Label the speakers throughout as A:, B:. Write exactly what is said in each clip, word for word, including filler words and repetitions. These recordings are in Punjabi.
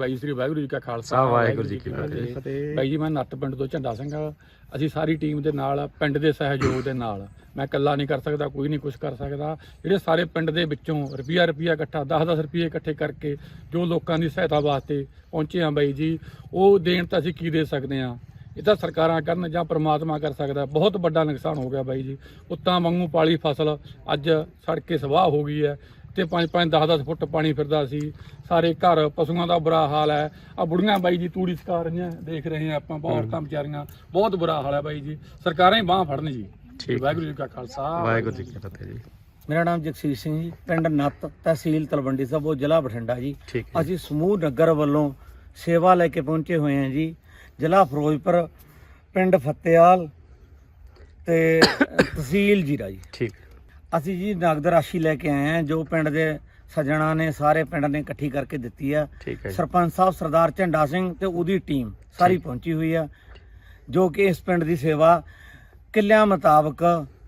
A: ਬਾਈ ਸ੍ਰੀ ਵਾਹਿਗੁਰੂ ਜੀ ਕਾ ਖਾਲਸਾ
B: ਵਾਹਿਗੁਰੂ ਜੀ ਕੀ
A: ਫਤਿਹ। ਬਾਈ ਜੀ ਮੈਂ ਨੱਟ ਪਿੰਡ ਤੋਂ ਝੰਡਾ ਸਿੰਘ, ਅਸੀਂ ਸਾਰੀ ਟੀਮ ਦੇ ਨਾਲ, ਪਿੰਡ ਦੇ ਸਹਿਯੋਗ ਦੇ ਨਾਲ, ਮੈਂ ਇਕੱਲਾ ਨਹੀਂ ਕਰ ਸਕਦਾ, ਕੋਈ ਨਹੀਂ ਕੁਛ ਕਰ ਸਕਦਾ। ਜਿਹੜੇ ਸਾਰੇ ਪਿੰਡ ਦੇ ਵਿੱਚੋਂ ਰੁਪਈਆ ਰੁਪਈਆ ਇਕੱਠਾ ਦਸ ਦਸ ਰੁਪਈਏ ਇਕੱਠੇ ਕਰਕੇ ਜੋ ਲੋਕਾਂ ਦੀ ਸਹਾਇਤਾ ਵਾਸਤੇ ਪਹੁੰਚੇ ਹਾਂ ਬਾਈ ਜੀ, ਉਹ ਦੇਣ ਤਾਂ ਅਸੀਂ ਕੀ ਦੇ ਸਕਦੇ ਹਾਂ, ਇਹ ਤਾਂ ਸਰਕਾਰਾਂ ਕਰਨ ਜਾਂ ਪ੍ਰਮਾਤਮਾ ਕਰ ਸਕਦਾ। ਬਹੁਤ ਵੱਡਾ ਨੁਕਸਾਨ ਹੋ ਗਿਆ ਬਾਈ ਜੀ। ਉੱਤਾਂ ਵਾਂਗੂ ਪਾਲੀ ਫਸਲ ਅੱਜ ਸੜ ਕੇ ਸਵਾਹ ਹੋ ਗਈ ਹੈ ਤੇ ਪੰਜ ਪੰਜ ਦਸ ਦਸ ਫੁੱਟ ਪਾਣੀ ਫਿਰਦਾ ਸੀ। ਸਾਰੇ ਘਰ ਪਸ਼ੂਆਂ ਦਾ ਬੁਰਾ ਹਾਲ ਹੈ। ਆ ਬੁੜੀਆਂ ਬਾਈ ਜੀ ਤੂੜੀ ਸਕਾ ਰਹੀਆਂ, ਦੇਖ ਰਹੇ ਹਾਂ ਆਪਾਂ, ਬਹੁਤ ਔਰਤਾਂ ਵਿਚਾਰੀਆਂ, ਬਹੁਤ ਬੁਰਾ ਹਾਲ ਹੈ ਬਾਈ ਜੀ। ਸਰਕਾਰਾਂ ਹੀ ਬਾਂਹ ਫੜਨ ਜੀ। ਵਾਹਿਗੁਰੂ ਜੀ ਕਾ ਖਾਲਸਾ
B: ਵਾਹਿਗੁਰੂ ਜੀ ਕੀ ਫਤਿਹ ਜੀ।
C: ਮੇਰਾ ਨਾਮ ਜਗਸੀਰ ਸਿੰਘ ਜੀ, ਪਿੰਡ ਨੱਤ, ਤਹਿਸੀਲ ਤਲਵੰਡੀ ਸਾਬੋ, ਜ਼ਿਲ੍ਹਾ ਬਠਿੰਡਾ ਜੀ। ਅਸੀਂ ਸਮੂਹ ਨਗਰ ਵੱਲੋਂ ਸੇਵਾ ਲੈ ਕੇ ਪਹੁੰਚੇ ਹੋਏ ਹਾਂ ਜੀ। ਜ਼ਿਲ੍ਹਾ ਫਿਰੋਜ਼ਪੁਰ, ਪਿੰਡ ਫਤਿਆਲ ਤੇ ਤਹਿਸੀਲ ਜੀਰਾ ਜੀ।
B: ਠੀਕ।
C: ਅਸੀਂ ਜੀ ਨਗਦ ਰਾਸ਼ੀ ਲੈ ਕੇ ਆਏ ਹਾਂ ਜੋ ਪਿੰਡ ਦੇ ਸੱਜਣਾ ਨੇ, ਸਾਰੇ ਪਿੰਡ ਨੇ ਇਕੱਠੀ ਕਰਕੇ ਦਿੱਤੀ ਆ। ਸਰਪੰਚ ਸਾਹਿਬ ਸਰਦਾਰ ਝੰਡਾ ਸਿੰਘ ਤੇ ਉਹਦੀ ਟੀਮ ਸਾਰੀ ਪਹੁੰਚੀ ਹੋਈ ਆ, ਜੋ ਕਿ ਇਸ ਪਿੰਡ ਦੀ ਸੇਵਾ ਕਿੱਲਿਆਂ ਮੁਤਾਬਕ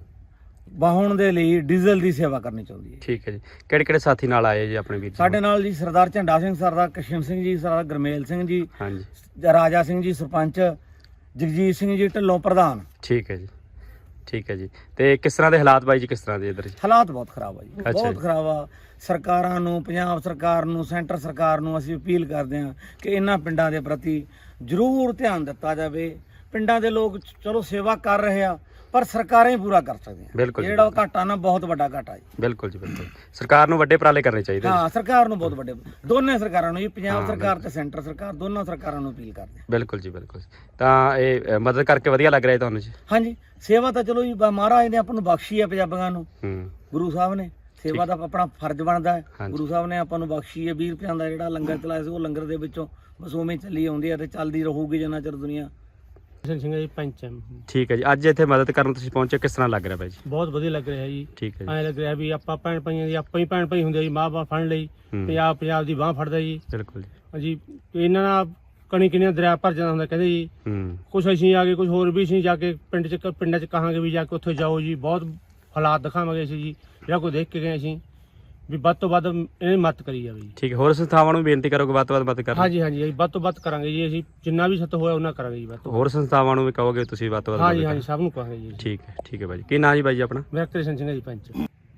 C: ਵਾਹਣ ਦੇ ਲਈ ਡੀਜ਼ਲ ਦੀ ਸੇਵਾ ਕਰਨੀ ਚਾਹੁੰਦੀ ਹੈ।
B: ਠੀਕ ਹੈ ਜੀ। ਕਿਹੜੇ ਕਿਹੜੇ ਸਾਥੀ ਨਾਲ ਆਏ ਜੀ ਆਪਣੇ ਵੀਰ?
C: ਸਾਡੇ ਨਾਲ ਜੀ ਸਰਦਾਰ ਝੰਡਾ ਸਿੰਘ, ਸਰਦਾਰ ਕਸ਼ਮ ਸਿੰਘ ਜੀ, ਸਰਦਾਰ ਗਰਮੇਲ ਸਿੰਘ ਜੀ,
B: ਹਾਂਜੀ,
C: ਰਾਜਾ ਸਿੰਘ ਜੀ ਸਰਪੰਚ, ਜਗਜੀਤ ਸਿੰਘ ਜੀ ਢਿੱਲੋਂ ਪ੍ਰਧਾਨ।
B: ਠੀਕ ਹੈ ਜੀ। ਠੀਕ ਹੈ ਜੀ। ਤੇ ਕਿਸ ਤਰ੍ਹਾਂ ਦੇ ਹਾਲਾਤ ਬਾਈ ਜੀ, ਕਿਸ ਤਰ੍ਹਾਂ ਦੇ ਇੱਧਰ?
C: ਹਾਲਾਤ ਬਹੁਤ ਖਰਾਬ ਆ ਜੀ, ਬਹੁਤ ਖਰਾਬ ਆ। ਸਰਕਾਰਾਂ ਨੂੰ, ਪੰਜਾਬ ਸਰਕਾਰ ਨੂੰ, ਸੈਂਟਰ ਸਰਕਾਰ ਨੂੰ ਅਸੀਂ ਅਪੀਲ ਕਰਦੇ ਹਾਂ ਕਿ ਇਹਨਾਂ ਪਿੰਡਾਂ ਦੇ ਪ੍ਰਤੀ ਜ਼ਰੂਰ ਧਿਆਨ ਦਿੱਤਾ ਜਾਵੇ। ਪਿੰਡਾਂ ਦੇ ਲੋਕ ਚਲੋ ਸੇਵਾ ਕਰ ਰਹੇ ਆ, ਪਰ ਸਰਕਾਰਾਂ ਹੀ ਪੂਰਾ ਕਰ ਸਕਦੀਆਂ।
B: ਬਿਲਕੁਲ,
C: ਜਿਹੜਾ ਘਾਟਾ ਨਾ ਬਹੁਤ ਵੱਡਾ ਘਾਟਾ ਜੀ।
B: ਬਿਲਕੁਲ ਜੀ, ਬਿਲਕੁਲ। ਸਰਕਾਰ ਨੂੰ ਵੱਡੇ ਉਪਰਾਲੇ ਕਰਨੇ ਚਾਹੀਦੇ।
C: ਹਾਂ, ਸਰਕਾਰ ਨੂੰ ਬਹੁਤ ਵੱਡੇ, ਦੋਨੇ ਸਰਕਾਰਾਂ ਨੂੰ ਜੀ, ਪੰਜਾਬ ਸਰਕਾਰ ਤੇ ਸੈਂਟਰ ਸਰਕਾਰ, ਦੋਨੋਂ ਸਰਕਾਰਾਂ ਨੂੰ ਅਪੀਲ ਕਰਦੇ।
B: ਬਿਲਕੁਲ ਜੀ, ਬਿਲਕੁਲ। ਤਾਂ ਇਹ ਮਦਦ ਕਰਕੇ ਵਧੀਆ ਲੱਗ ਰਿਹਾ ਤੁਹਾਨੂੰ ਜੀ?
C: ਹਾਂਜੀ, ਸੇਵਾ ਤਾਂ ਚਲੋ ਜੀ ਮਹਾਰਾਜ ਨੇ ਆਪਾਂ ਨੂੰ ਬਖਸ਼ੀ ਹੈ, ਪੰਜਾਬੀਆਂ ਨੂੰ, ਗੁਰੂ ਸਾਹਿਬ ਨੇ। ਸੇਵਾ ਦਾ ਆਪਣਾ ਫਰਜ਼ ਬਣਦਾ ਹੈ। ਗੁਰੂ ਸਾਹਿਬ ਨੇ ਆਪਾਂ ਨੂੰ ਬਖਸ਼ੀ ਹੈ। ਵੀਹ ਰੁਪਏ ਦਾ ਜਿਹੜਾ ਲੰਗਰ ਚਲਾਇਆ ਸੀ, ਉਹ ਲੰਗਰ ਦੇ ਵਿੱਚੋਂ ਬਸ ਉਵੇਂ ਚੱਲੀ ਆਉਂਦੀ ਹੈ ਤੇ ਚੱਲਦੀ ਰਹੂਗੀ ਜਿੰਨਾ ਚਿਰ ਦੁਨੀਆ।
D: ਸਿੰਘ ਜੀ, ਪੰਚ।
B: ਠੀਕ ਹੈ ਜੀ। ਅੱਜ ਇੱਥੇ ਮਦਦ ਕਰਨ ਤੁਸੀਂ ਪਹੁੰਚੇ, ਕਿਸ ਤਰ੍ਹਾਂ ਲੱਗ ਰਿਹਾ ਬਾਈ ਜੀ?
D: ਬਹੁਤ ਵਧੀਆ ਲੱਗ ਰਿਹਾ ਜੀ।
B: ਠੀਕ ਹੈ ਜੀ।
D: ਐਂ ਲੱਗ ਰਿਹਾ ਵੀ ਆਪਾਂ ਭੈਣ ਭਾਈਆਂ ਦੀ, ਆਪਾਂ ਹੀ ਭੈਣ ਭਾਈ ਹੁੰਦੇ ਜੀ, ਮਾਂ ਬਾਪ ਫੜ ਲਈ, ਪੰਜਾਬ ਪੰਜਾਬ ਦੀ ਬਾਂਹ ਫੜਦਾ ਜੀ।
B: ਬਿਲਕੁਲ
D: ਜੀ। ਇਹਨਾਂ ਨਾਲ ਕਣੀ ਕਿੰਨੀਆਂ ਦਰਿਆ ਭਰ ਜਾਂਦਾ ਹੁੰਦਾ ਕਹਿੰਦੇ ਜੀ। ਕੁਛ ਅਸੀਂ ਆ ਕੇ, ਕੁਛ ਹੋਰ ਵੀ ਅਸੀਂ ਜਾ ਕੇ ਪਿੰਡ ਚ ਪਿੰਡਾਂ ਚ ਕਹਾਂਗੇ ਵੀ ਜਾ ਕੇ ਉੱਥੇ ਜਾਓ ਜੀ, ਬਹੁਤ ਹਾਲਾਤ ਦਿਖਾਵਾਂਗੇ ਅਸੀਂ ਜੀ, ਜਿਹੜਾ ਕੋਈ ਦੇਖ ਕੇ ਗਏ ਅਸੀਂ ਵੀ ਵੱਧ ਤੋਂ ਵੱਧ ਇਹਨੇ ਮਦਦ ਕਰੀ ਜਾਵੇ ਜੀ।
B: ਠੀਕ ਹੈ। ਹੋਰ ਸੰਸਥਾਵਾਂ ਨੂੰ ਬੇਨਤੀ ਕਰੋਗੇ ਵੱਧ ਤੋਂ ਵੱਧ ਮਦਦ ਕਰਨ?
D: ਹਾਂਜੀ ਹਾਂਜੀ, ਵੱਧ ਤੋਂ ਵੱਧ ਕਰਾਂਗੇ ਜੀ। ਅਸੀਂ ਜਿੰਨਾ ਵੀ ਸਤ ਹੋਇਆ ਉਹਨਾਂ ਕਰਾਂਗੇ ਜੀ। ਵੱਧ ਤੋਂ
B: ਹੋਰ ਸੰਸਥਾਵਾਂ ਨੂੰ ਵੀ ਕਹੋਗੇ ਤੁਸੀਂ ਵੱਧ ਤੋਂ ਵੱਧ?
D: ਹਾਂਜੀ ਹਾਂਜੀ, ਸਭ ਨੂੰ ਕਹਾਂਗੇ ਜੀ।
B: ਠੀਕ ਹੈ। ਠੀਕ ਹੈ ਬਾਈ ਜੀ। ਕੀ ਨਾਂ ਜੀ ਬਾਈ ਜੀ ਆਪਣਾ?
D: ਮੇਰਾ ਕ੍ਰਿਸ਼ਨ ਸਿੰਘ ਜੀ, ਪੰਚ।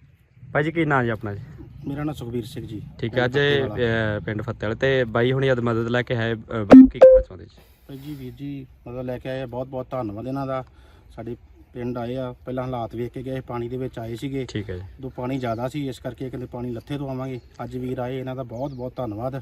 B: ਬਾਈ ਜੀ ਕੀ ਨਾਂ ਜੀ ਆਪਣਾ ਜੀ?
E: ਮੇਰਾ ਨਾਮ ਸੁਖਬੀਰ ਸਿੰਘ ਜੀ।
B: ਠੀਕ ਹੈ। ਅੱਜ ਪਿੰਡ ਫਤਿਆਲ ਤੇ ਬਾਈ ਹੁਣੀ ਅੱਜ ਮਦਦ ਲੈ ਕੇ ਆਏ, ਕੀ ਕਹਿਣਾ ਚਾਹੁੰਦੇ ਜੀ?
E: ਭਾਈ ਜੀ, ਵੀਰ ਜੀ ਮਦਦ ਲੈ ਕੇ ਆਏ, ਬਹੁਤ ਬਹੁਤ ਧੰਨਵਾਦ ਇਹਨਾਂ ਦਾ। ਸਾਡੇ ਪਿੰਡ ਆਏ ਆ, ਪਹਿਲਾਂ ਹਾਲਾਤ ਵੇਖ ਕੇ ਗਏ, ਪਾਣੀ ਦੇ ਵਿੱਚ ਆਏ ਸੀਗੇ।
B: ਠੀਕ ਹੈ ਜੀ।
E: ਉਦੋਂ ਪਾਣੀ ਜ਼ਿਆਦਾ ਸੀ, ਇਸ ਕਰਕੇ ਕਹਿੰਦੇ ਪਾਣੀ ਲੱਥੇ ਤੋਂ ਆਵਾਂਗੇ। ਅੱਜ ਵੀਰ ਆਏ, ਇਹਨਾਂ ਦਾ ਬਹੁਤ ਬਹੁਤ ਧੰਨਵਾਦ।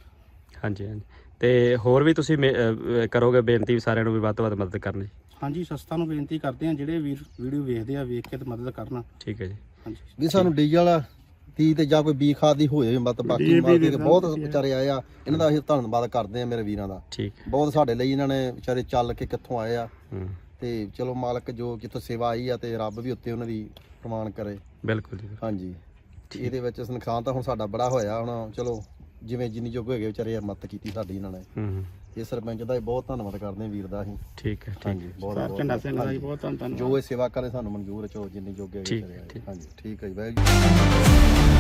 B: ਹਾਂਜੀ ਹਾਂਜੀ। ਤੇ ਹੋਰ ਵੀ ਤੁਸੀਂ ਕਰੋਗੇ ਬੇਨਤੀ ਸਾਰਿਆਂ ਨੂੰ ਵੀ ਵੱਧ ਤੋਂ ਵੱਧ ਮਦਦ ਕਰਨ ਜੀ?
E: ਹਾਂਜੀ, ਸੰਸਥਾ ਨੂੰ ਬੇਨਤੀ ਕਰਦੇ ਆ, ਜਿਹੜੇ ਵੀਰ ਵੀਡੀਓ ਵੇਖਦੇ ਆ, ਵੇਖ ਕੇ ਤੇ ਮਦਦ ਕਰਨਾ।
B: ਠੀਕ ਹੈ ਜੀ।
E: ਹਾਂਜੀ
F: ਵੀ ਸਾਨੂੰ ਡੀਜ਼ਲ ਦੀ ਤੇ ਜਾਂ ਕੋਈ ਬੀ ਖਾਦ ਦੀ ਹੋਏ ਮਦਦ, ਬਾਕੀ ਬਹੁਤ ਵਿਚਾਰੇ ਆਏ ਆ, ਇਹਨਾਂ ਦਾ ਅਸੀਂ ਧੰਨਵਾਦ ਕਰਦੇ ਆ ਮੇਰੇ ਵੀਰਾਂ ਦਾ।
B: ਠੀਕ।
F: ਬਹੁਤ ਸਾਡੇ ਲਈ ਇਹਨਾਂ ਨੇ ਵਿਚਾਰੇ ਚੱਲ ਕੇ ਕਿੱਥੋਂ ਆਏ ਆ, ਤੇ ਚਲੋ ਮਾਲਕ ਜੋ ਜਿੱਥੋਂ ਸੇਵਾ ਆਈ ਆ ਤੇ ਰੱਬ ਵੀ ਉੱਤੇ ਉਹਨਾਂ ਦੀ ਪ੍ਰਮਾਣ ਕਰੇ।
B: ਬਿਲਕੁਲ ਜੀ। ਹਾਂਜੀ।
F: ਇਹਦੇ ਵਿੱਚ ਨੁਕਸਾਨ ਤਾਂ ਹੁਣ ਸਾਡਾ ਬੜਾ ਹੋਇਆ, ਹੁਣ ਚਲੋ ਜਿਵੇਂ ਜਿੰਨੀ ਜੋਗ ਹੋਏ ਵਿਚਾਰੇ ਮਦਦ ਕੀਤੀ ਸਾਡੀ ਇਹਨਾਂ ਨੇ। ਇਹ ਸਰਪੰਚ ਦਾ ਬਹੁਤ ਧੰਨਵਾਦ ਕਰਦੇ ਵੀਰ ਦਾ ਅਸੀਂ।
B: ਠੀਕ ਹੈ।
F: ਹਾਂਜੀ, ਬਹੁਤ
E: ਝੰਡਾ ਸਿੰਘ ਦਾ ਬਹੁਤ ਧੰਨਵਾਦ।
F: ਜੋ ਇਹ ਸੇਵਾ ਕਰੇ ਸਾਨੂੰ ਮਨਜ਼ੂਰ ਹੈ, ਚੋ ਜਿੰਨੀ ਜੋਗੇ। ਹਾਂਜੀ, ਠੀਕ ਹੈ ਜੀ।